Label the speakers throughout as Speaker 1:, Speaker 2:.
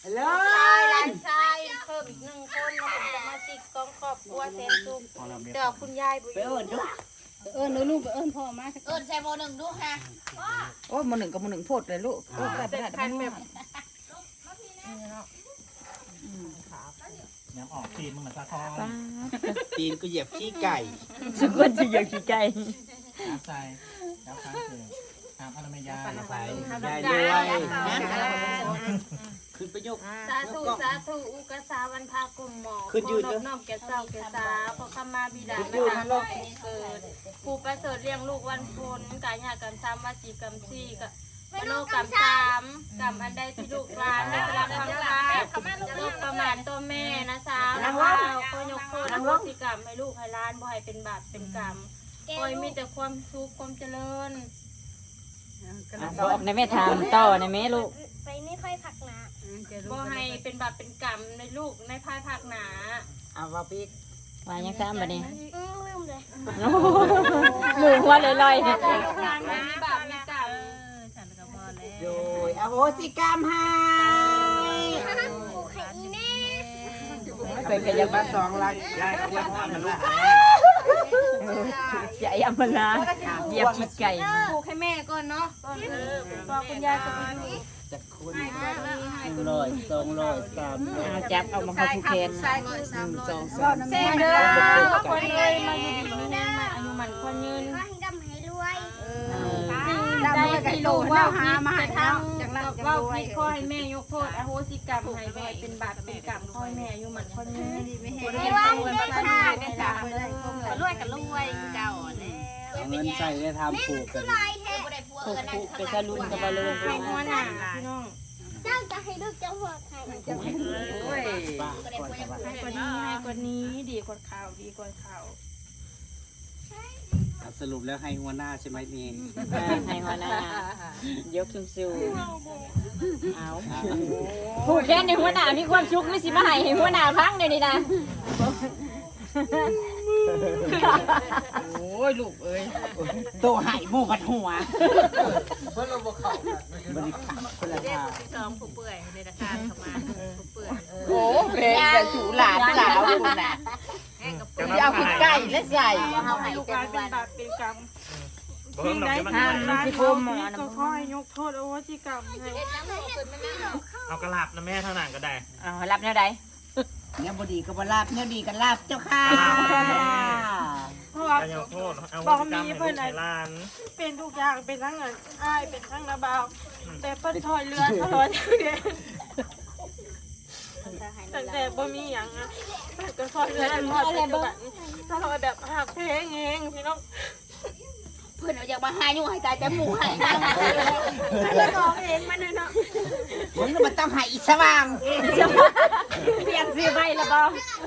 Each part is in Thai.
Speaker 1: หลานชายเพิ่มอีก1 คนมาเป็นสมาชิกของครอบครัวแสนสุขเดี๋ยวคุณยายบุญ
Speaker 2: ลูกไปเอิ้นพ่อมา
Speaker 1: ใส่โมหนึ่งดูฮะ
Speaker 3: โอ้ยมื้อหนึ่งกับมื้อหนึ่งโพดเลยลูกโอ้ยได้บ่ได้แบบ
Speaker 4: ยังออกตีนมึงเหมือนซาทอง
Speaker 5: ตีนกูเหยียบขี้ไก่
Speaker 3: ทุกคนสิอยากขี้ไก่
Speaker 4: น้ำใส่น้ำค้างคืนน้ำพาราเมยา
Speaker 5: ใส่ยายด้วยขึ้นไปยก
Speaker 1: สาธุสาธุอุกษาวันพากุมหมอ
Speaker 5: ขึ้นยืน
Speaker 1: น้อมแก่เจ้าแก่สาพระคำมาบิดาและทางโลกนี้เกิดผู้ประเสริฐเลี้ยงลูกวันพุธกายกรรม3วจีกรรม4กับมโนกรรม3กรรมอันใดที่ลูกหลานได้รับคำท้าลูกประมาทตัวแม่นะสาวนะว่าก็ยกโทษอโหสิกรรมให้ลูกให้หลานบ่ให้เป็นบาปเป็นกรรมคอยมีแต่ความสุขความเจริญ
Speaker 3: บอกในแม่ถามต่อในแม่ลูก
Speaker 1: ไปนี่ค่อยผักหนาบ่ให้เป็นบาปเป็นกรรมในลูกในภายภาคหนา
Speaker 5: เอาว่าพี่
Speaker 3: ว่ายังซ้ำบัดนี้
Speaker 1: ลืมเลย
Speaker 3: ลืมว่าลอย
Speaker 1: ลูกหลานไม่มีบาปมีกรรม
Speaker 5: โดยอโหสิกรรมให้
Speaker 3: ๆไปข
Speaker 5: อ
Speaker 3: ยั
Speaker 5: ย่า
Speaker 3: บ
Speaker 5: มาสองลักยายเอาไว้พ่อนะลูก
Speaker 3: อย่าอย่ามาลาเหยียบขี้ไก่
Speaker 1: ปลูกให้แม่ก่อนเนาะก่อนก่อนคุณยายจะไปดู
Speaker 5: จะคุณ100 200 300
Speaker 3: จับเอามาเข้าผู้แคน
Speaker 5: 1 2 3
Speaker 1: แซ่เด้อคนเลยมาอยู่ดีมีแน่มาอายุมันคนยืนได้ที่ลูกว่าหามาให้ทำจากนั้นว่าพี่คอยแม่ยกโทษอโหสิกรรมให้แม่เป็นบาปเป็นกรรมคอยแม่อายุมันคนยืนไม่ว่าได้ใช่ได้ตามเลยรวยกับรวยเจ้าเนี่ย
Speaker 5: เอาเงินใส่ได้ทำปลูกกัน
Speaker 3: ผูกไปทะลุนกับบอลลูน
Speaker 1: ให้หัวหน้าพี่น้อง
Speaker 5: ปลูกให้ป้าก่อนจะว่า
Speaker 1: ให้กว่านี้ดีกว่าข่าวดีกว่าข่าว
Speaker 5: สรุปแล้วให้หัวหน้าใช่ไหมนี่
Speaker 3: ให้หัวหน้ายกสูงๆเอาผูกแค่ในหัวหน้ามีความชุกไม่สิมาให้หัวหน้าพังเลยนี่นะโอ้ยลูกเอ้ย
Speaker 5: โตหายหมูกัดหัวเพื่อนเราบอกเขาบริการคนละทาง
Speaker 1: ซ้อมผู้เปื่อยในราคาเข้ามาผู้เปื่อย
Speaker 3: โอ้เพลงแต่ถูหลานสาวคุณน่ะจะเอาขี้ไก่และใส่
Speaker 1: เขาให้ลูกหลานเป็นบาปเป็นกรรม
Speaker 4: สิ่งใดที่
Speaker 1: ร้า
Speaker 4: ร้าน น
Speaker 1: ที่เขาผิดก็ขอให้ยกโทษอโหสิกรรมให้
Speaker 4: เอากระลับนะแม่เท่านั้นก็ได้
Speaker 3: เอารับแนวใด
Speaker 5: เนี่ยบดีก็บลาบเนี่ยดีกันลาบเจ้าค่ะ
Speaker 1: เพราะว่า
Speaker 4: การยกโทษเอา
Speaker 1: บอก
Speaker 4: กรรม
Speaker 1: มี
Speaker 4: ให้
Speaker 1: เพื่
Speaker 4: ลู
Speaker 1: อน
Speaker 4: กให้ร้าน
Speaker 1: เป็นทุกอย่างเป็นทั้งเงินอ้ายเป็นทั้งระบาวแต่เปิ้นถอยเรือตลอดเดือนตั้งแต่บ่มีหยังอ่ะเปิ้นก็ถอยเรือตลอดปัจจุบันตลอดแบบหักเพลงเองพี่น้อง
Speaker 2: เพื่อนเอาอยากมาหาอยู่ให้ตายแต่หมูให้
Speaker 1: แล้วร้องเองมันเนาะ
Speaker 5: มึงน่ะมันต้องใหายอีสว่าง
Speaker 3: เปลี่ยนชื่อใหม่ละบ่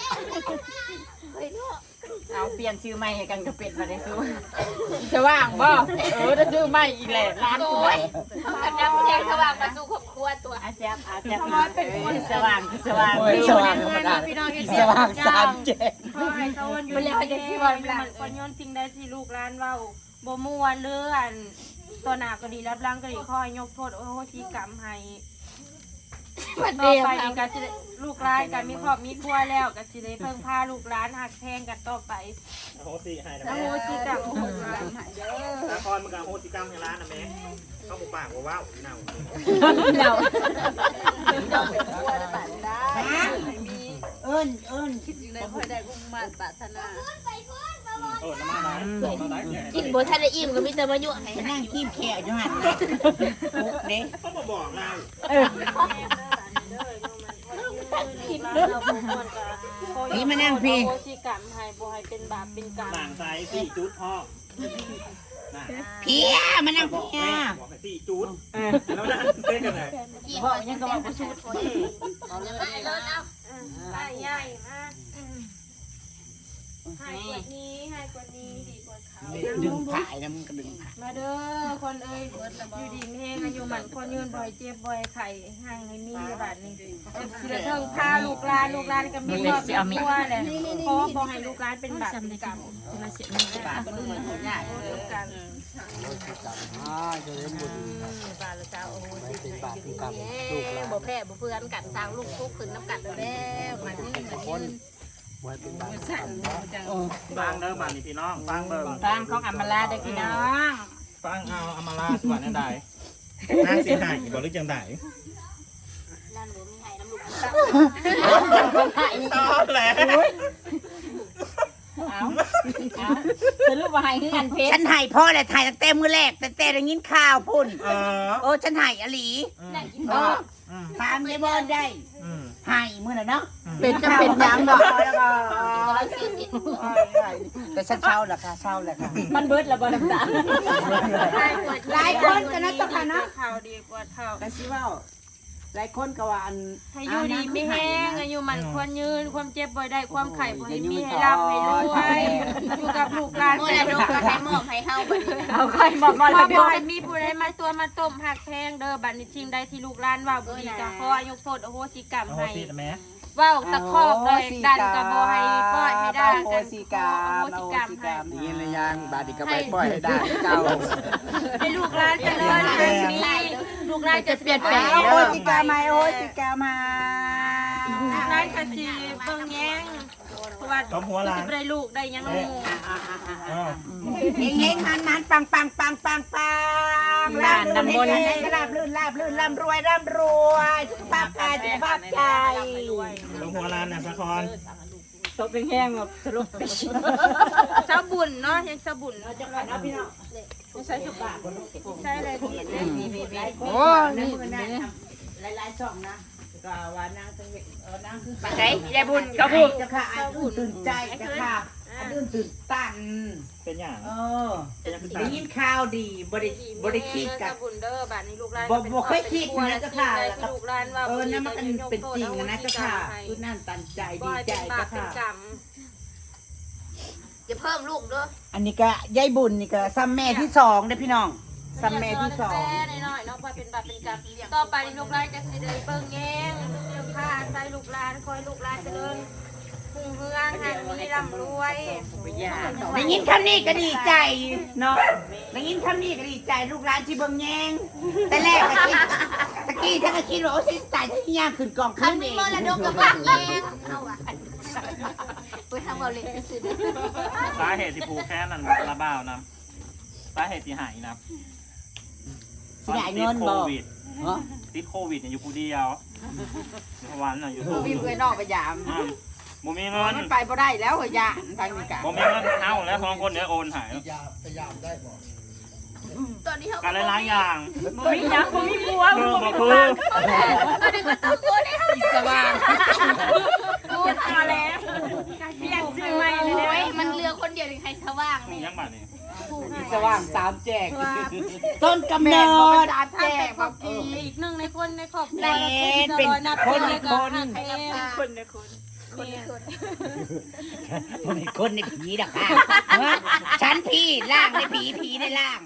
Speaker 3: เอาเปลี่ยนชื่อใหม่ให้กันก็เป็นมาได้สู้จะว่างบ่จะชื่อใหม่อีกแหละร้านกู
Speaker 2: น้ำแข็งสว่างมาสู่ครอบครัวตัว
Speaker 3: อาแจ๊บสว่างสว่าง
Speaker 5: โอ้ยสว่างธรรมดาอีสว่าง3 7
Speaker 1: ขอให้เขาวันอยู่ในประเทศที่ว่ามันคนย้อนสิ่งใดที่ลูกหลานเว้าบ่ม่วนหรืออันตัวหน้าก็ดีรับหลังก็ดีขอให้ยกโทษโอโหสิกรรมให้ต่อไปนี่ก็สิได้ลูกหลานก็มีครอบมีครัวแล้วก็สิได้เพิ่งพาลูกหลานหักแพงกันต่อไป
Speaker 4: โหสิให้นะ
Speaker 1: อ
Speaker 4: แม่
Speaker 1: โหสิกรรม
Speaker 4: สาครมึงกับโหสิกรรมให้ร้านนะแม่เข้าปากว่าว้าวเน่า
Speaker 3: เรา
Speaker 5: เอิ้น
Speaker 4: น้ำมาร้าน
Speaker 2: กินบ่ทันได้อิ่มก็มีแต่มายั่วให้
Speaker 5: ไปนั่งขีบแขวอยู่หั่นเด้
Speaker 4: เขามาบอกเรา
Speaker 5: นี่มานั่งพี่
Speaker 1: โหสิกรรมให้บ่ให้เป็นบาปเป็นกรรม
Speaker 4: หลังไซ4 จุดพ่อ
Speaker 5: เพียมานั่ง
Speaker 4: บอก
Speaker 5: เพีย
Speaker 4: แม่บอกให้4 จุดแล้วนั่นเต้นกันไหน
Speaker 3: บอกยังก็บอกบ่สู้
Speaker 1: ใหญ่มากให้กว่านี้ให้กว่านี้ดีกว่าเขา
Speaker 5: ดึงผายนะมึงก็ดึงผาย
Speaker 1: มาเด้อคนเอ้ยอยู่ดีแห้งอายุมันคนยืนบ่อยเจ็บบ่อยไข่ห่างให้มีบาดนี้สิได้เทิงพาลูกหลานก็มีครอบมีครัวแหละขอบ่ให้ลูกหลานเป็นบาปเป็นกรรม
Speaker 3: มาเสียมีบาทก็ดูมันหัวใหญ่
Speaker 1: กัน
Speaker 5: จะเล่นบุญ
Speaker 1: บาลเจ้าโอ้โหสิบอยู่ดีบ่แพ้บ่เพื่อนกันสร้างลูกทุกขึ้นน้ำกันแล้วมาที่มายืน
Speaker 5: ไว้เป็นบาป
Speaker 4: ฟังเด้อบ้านนี่พี่น้องฟังเบิ่ง
Speaker 3: ฟังของอัมมาลาเด้อพี่น้อง
Speaker 4: ฟังเอาอำมาลาสวรรค์นั่นใดนางสิหายบ่หรือจังได
Speaker 2: นั่นบ่มีให้น้ำลูก
Speaker 4: ตอนแหละ
Speaker 3: เอาสรุปว่าให้คือกันเพช
Speaker 5: ฉั
Speaker 3: ร
Speaker 5: นหายพ่อแหละถ่ายตั้งแต่มือแรกแต่ได้ยินข่าวพุ่นโอ้ฉันหายอลีตามยายบอลได้หายมือน่ะเนาะ
Speaker 2: เป็นจะเป็นยังบ่
Speaker 5: แต่ฉันเช่าแหละค่ะเช่าแหละค่ะ
Speaker 3: มันเบิดแล้วบ่น้ำตา
Speaker 5: หลายคนกันนะเจ้าค่ะเนาะ
Speaker 1: ข่าวดีกว่าข่าว
Speaker 5: แต่สิว่าหลายคนก็ว่าอัน
Speaker 1: ให้อยู่ดีไม่แห้งอายุมันควรยืนความเจ็บบ่ได้ความไข่บ่ให้มีให้รับให้รวยอยู่กับลูกหลาน
Speaker 2: เมื่อไรลูกก็ให้มอบให้เฮาบัดนี้
Speaker 3: เอาใครมา
Speaker 1: พ่อ
Speaker 3: แล้ว
Speaker 1: บ่ให้มีผู้ใดมาตัวมาต้มหักแพงเด้อบัดนี้ทีมใดที่ลูกหลานว่าบ่ดีก็ขออายกโทษอโหสิกรรม
Speaker 4: โอ้โห
Speaker 1: ให้
Speaker 4: สิแม่
Speaker 1: เว้าตะคอกเลยดันก็บ่ให้ปล่อยให้ด่า
Speaker 5: โอ
Speaker 1: กัน
Speaker 5: สิ
Speaker 1: ข
Speaker 5: กา
Speaker 1: ออ
Speaker 5: ม
Speaker 1: โหสิกรรมให้
Speaker 5: นี่เลยยังบาดนีก็ไปปล่อยให้ได้เจ้า
Speaker 1: ให้ลูกหลานเจริญมีลูกหลานจะเปลี่ยนแปลง
Speaker 5: โอสิกามาโอสิกามา
Speaker 1: ลูกหลานก็สิเบิ่งแยงเพราะว่า
Speaker 4: ต้มหัวหลาน
Speaker 1: สิได้ลูกได้ยังลูก
Speaker 5: เฮงๆหันปังปังปังปังปังลาบลื่นลาบลื่นร่ำรวยสุขภาพกายสุขภาพใจ
Speaker 4: ต้มหัวหลานน่ะสะคอน
Speaker 3: ตบแห้งๆแบบสรุป
Speaker 1: สาบุญเนาะยังสาบุญ
Speaker 3: ใช้ทุกบาท
Speaker 1: ใช่เลย
Speaker 5: โอ้นี่หลายๆช่องนะก็ว่านางนางคือ
Speaker 3: มาใช้ยายบุญกระบุญ
Speaker 5: จะค่ะตื่นใจจะค่ะตื่นตัน
Speaker 4: เป็นอย่าง
Speaker 5: ได้ยินข่าวดีบ่ได้คิดกั
Speaker 1: สา
Speaker 5: บ
Speaker 1: บุญเด้อบัดนี้ลูกหลาน
Speaker 5: บ่เคยคิดนะเจ้าค่ะ
Speaker 1: ลูกหลานว่า
Speaker 5: นั่นมันเป็นจริงนะเจ้าค่ะคือนั่นตันใจ
Speaker 1: บ่
Speaker 5: ดี
Speaker 1: ให้
Speaker 5: ใจ
Speaker 1: เป็นบาป
Speaker 5: เจ้า
Speaker 1: เป็น
Speaker 5: ค่ะ
Speaker 1: กรรม
Speaker 2: จะเพิ่มลูกเด้อ
Speaker 5: อันนี้ก็ยายบุญนี่ก็ซ้ำแม่ที่สองเด้อพี่น้องซ้ำแม่ที่สอง
Speaker 1: แม่น้อยๆเนาะว่าเป็นบาปเป็นกรรมต่อไปลูกหลานจะสิได้เบิ่งแยงเสื้อผ้าใส่ลูกหลานคอยลูกหลานเจริญหุ่งเฮืองหันมีร่ำรวย
Speaker 5: ได้ยินคำนี้ก็ดีใจเนาะได้ยินคำนี้ก็ดีใจลูกหลานที่เบิ่งแยงแต่แรกตะกี้ถ้าก็คิดว่าโอ้สิตายถ้าย่างขึ้นกอง
Speaker 2: คั
Speaker 5: ขึ้
Speaker 2: น
Speaker 5: น
Speaker 2: มี
Speaker 5: เอง
Speaker 2: มรดกกับเบิ่งแยงเฮาอ่ะไปทำเอาเล็กซื่อ
Speaker 4: สาเหตุที่ผูกแค่นั้นระบ้าวนะสาเหตุที่หายนะ
Speaker 5: สิได้เงินบ่
Speaker 4: ติดโควิดเนี่ยอยู่ผู้เดียววันน่ะอยู่ผู้
Speaker 5: มีเพื่อนนอกไปยาม
Speaker 4: บ่มีเงิน
Speaker 5: มันไปบ่ได้แล้วเหรอยานทางนี้กะ
Speaker 4: บ่มีเงินเท่าแล้วสองคนเนี่ยโอนหาย
Speaker 2: ตอนนี้เฮา
Speaker 4: การหลายๆอย่าง
Speaker 3: บ่มีหยังบ่มีผัว
Speaker 4: คือบ่คือ
Speaker 2: ตอนนี้ก็ต้องโอนให้เฮาสว่าง
Speaker 3: พูดมาแล้วเปลี่ยนชื่อใหม่เลย
Speaker 2: โอ้ย
Speaker 3: เนี่ย
Speaker 2: มันเหลือคนเดียวที่ใครสว่าง
Speaker 4: ถูก
Speaker 2: นี่
Speaker 4: ยังบัดนี้
Speaker 5: สว่างสามแจกต้นกำเนิด
Speaker 1: สามแจกครอบครัวอีกหนึ่งในคนในครอบครัว
Speaker 5: เป็น
Speaker 1: นับ
Speaker 5: คน
Speaker 1: เลยก็
Speaker 5: คน
Speaker 1: หักเอง
Speaker 3: คนนะคน
Speaker 2: คนนี้คน
Speaker 5: มันเป็นคนในผีดอกค่ะฉันผีล่างในผีในล่าง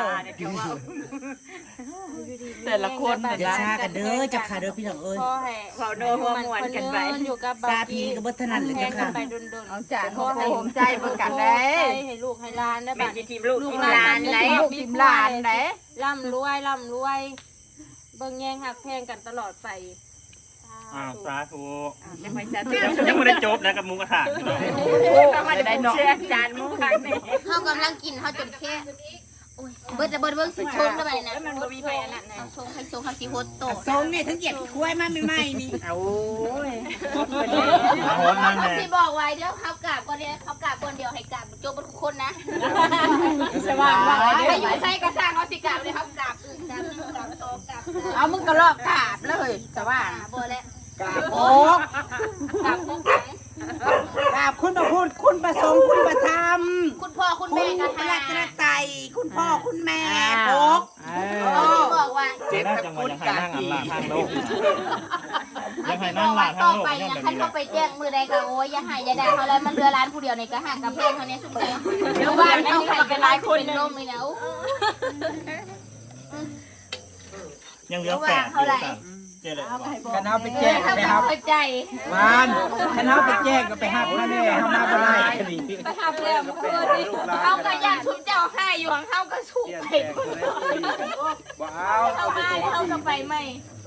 Speaker 3: แต่ละคน
Speaker 5: เดี๋ยวชากันเด้อจับขาเด้อพี่น้องเอ้ย
Speaker 1: พ่อแห่
Speaker 3: เขาโน้หัวมวนกันไป
Speaker 1: อยู่กับ
Speaker 5: ซาพีกับบัฒนันเลย
Speaker 1: แข่
Speaker 5: เจ้าง
Speaker 1: กั
Speaker 5: ค่ะ
Speaker 1: นไปดนๆ
Speaker 5: เอาจาน
Speaker 1: พ่อให้
Speaker 5: ผมใจเบิ่งกันได้
Speaker 1: ให้ลูกให้หลานได้
Speaker 3: เป็
Speaker 1: บั
Speaker 3: น
Speaker 1: ด
Speaker 3: ทีมลูก
Speaker 1: ลูก
Speaker 3: ทีม
Speaker 1: ห
Speaker 3: ห
Speaker 1: ลา
Speaker 3: ลาน น
Speaker 1: ไหน
Speaker 5: ลูกทีมหลานไหน
Speaker 1: ร่ำรวยเบิ่งแยงหักแพงกันตลอดไป
Speaker 4: สาธุ
Speaker 3: ยังไม่จะ
Speaker 4: ยังไม่ได้จบนะกับหมูกระทะ
Speaker 3: ต้องมาได้เชื่อจานมุ้งขังนี่
Speaker 2: เฮากำลังกินเฮาจนแค่โอ้ยเบิดเบิ่งสิชงได้บัดนี้นะ
Speaker 3: มันบ่มีไปอันนั้นนะ
Speaker 2: เอาชงให้ชงเฮาสิโฮดโต
Speaker 5: ทรงเนี่ยทั้งเหยียบคุ้ยมาใหม่ๆนี่
Speaker 3: โอ้ย
Speaker 4: มาโหดนั่นแหละ
Speaker 2: สิบอกไว้เดี๋ยวเขากราบก่อนเดียวเขากราบก่อนเดียวให้กราบจบทุกคนนะ
Speaker 3: สว่างว่า
Speaker 2: ไปอยู่ใส่กระสร้างเขาสิกราบเลยเขากราบอื่นกราบ1กราบ2กราบ3
Speaker 5: เอามึงก็ลอกกาบเลยแต่ว่า
Speaker 2: บ่แล้ว
Speaker 5: กาบโอ๊ก
Speaker 2: กราบพวกหลัง
Speaker 5: กาบคุณประพูดคุณประสงค์คุณประธรรม
Speaker 2: คุณพ่อคุณ
Speaker 5: คุ
Speaker 2: แม่
Speaker 5: ณ
Speaker 2: ก็
Speaker 5: พระ
Speaker 2: หา
Speaker 5: รัตนตรัยคุณพ่อคุณแม่โอ๊ก
Speaker 2: เขาสิบอกว่า
Speaker 4: เจ๊น่าจังหวะยังให้นั่งอันหลาทางโลกยังให้นั่
Speaker 2: บ
Speaker 4: ง
Speaker 2: อก
Speaker 4: หลา
Speaker 2: ว่า
Speaker 4: ทา
Speaker 2: ต่
Speaker 4: ง
Speaker 2: อ
Speaker 4: โลก
Speaker 2: ไป
Speaker 4: ยัง
Speaker 2: เนี่ย
Speaker 4: แบบ
Speaker 2: คัน
Speaker 4: นี้
Speaker 2: เขาไปแจ้งมือใดก็โอ้ยอย่าหายอย่าด่าเขาแล้วมันเรือร้านผู้เดียวในกระห่างกับเพลงเขาเนี่ยสุดเลยเดี๋ยวบ้านเอาใครกันหลายคนเป็นลมเลยนะ
Speaker 4: ยังเหลือแฝดอยู่กันเจรเลย
Speaker 5: กันเอาไปแจ้ง
Speaker 2: เขา
Speaker 5: ไป
Speaker 2: ก็
Speaker 5: ครับ
Speaker 2: เข้าใจ
Speaker 5: วานกันเอาไปแจ้งก็ไปหับมาแน่เฮามาบ่ได้คดี
Speaker 3: ไปหับแล้วมันก็ดี
Speaker 2: เขาก็ย่างชุบเจ้าให้อยู่ของเขาก็ชุบไป
Speaker 5: บ่เอา
Speaker 2: เขามาเขาก็ไปไม่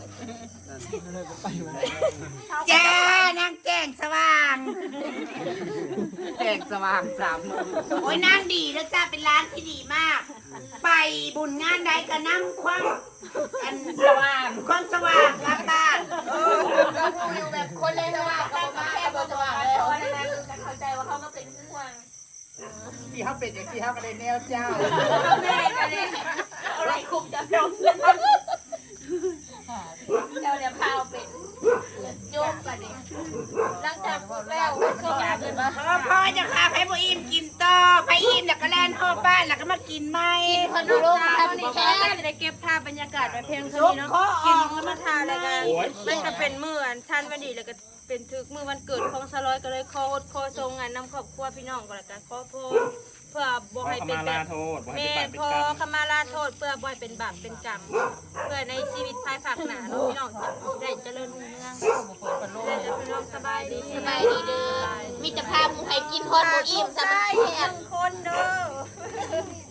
Speaker 5: จ้านางแจ้งสว่างแจ้งสว่าง3โอ้ยนางดีแล้วจ้าเป็นร้านที่ดีมาก ไปบุญงานใดก็นั่งคว่ำอันสว่างความสว่างกลับบ้าน
Speaker 2: อยู่แบบคนเลยสว่างเขามาแค่บนสว่างเลยเพราะฉะนั้นเข้าใจว่าเขาก็เป็นห่วง
Speaker 5: ที่เขาเป็นอย่างที่เขาก็ได้แนวเจ้า
Speaker 2: แม่ก็เลยอะไรคุกจะลงเจ้าเนี่ยพาเป็นโยกกันดิหลังจากแล้วก็อยากเลยว่า
Speaker 5: พ่อจะพาไปบ่อิ่มกินต่อไปอิ่มแล้วก็แล่นหอบบ้านแล้วก็มากินไหม
Speaker 2: พนุโลกทำนี่แค่
Speaker 1: จะได้เก็บภาพบรรยากาศไว้เพียงเท่านี้เนาะกินมื้อมาทานแล้วกันมันก็เป็นมื้ออันชันวันดีแล้วก็เป็นถึกมื้อวันเกิดของสลอยก็เลยขออดขอทรงงานนำครอบครัวพี่น้องก็แล้วกันขอโทษเพื่อบ่ให้เป็นแบบแม่ขอขมาลาโทษเพื่อบ่ให้เป็นบาปเป็นกรรมเพื่อในชีวิตภายภาคหน้าเนาะพี่น้องจะได้เจริญรุ่งเรืองได้พี่น้องสบายดี
Speaker 2: สบายดีเด้อมีแต่พาหมูให้กินคนหมูอิ่มสบายแท้
Speaker 1: คนเด้อ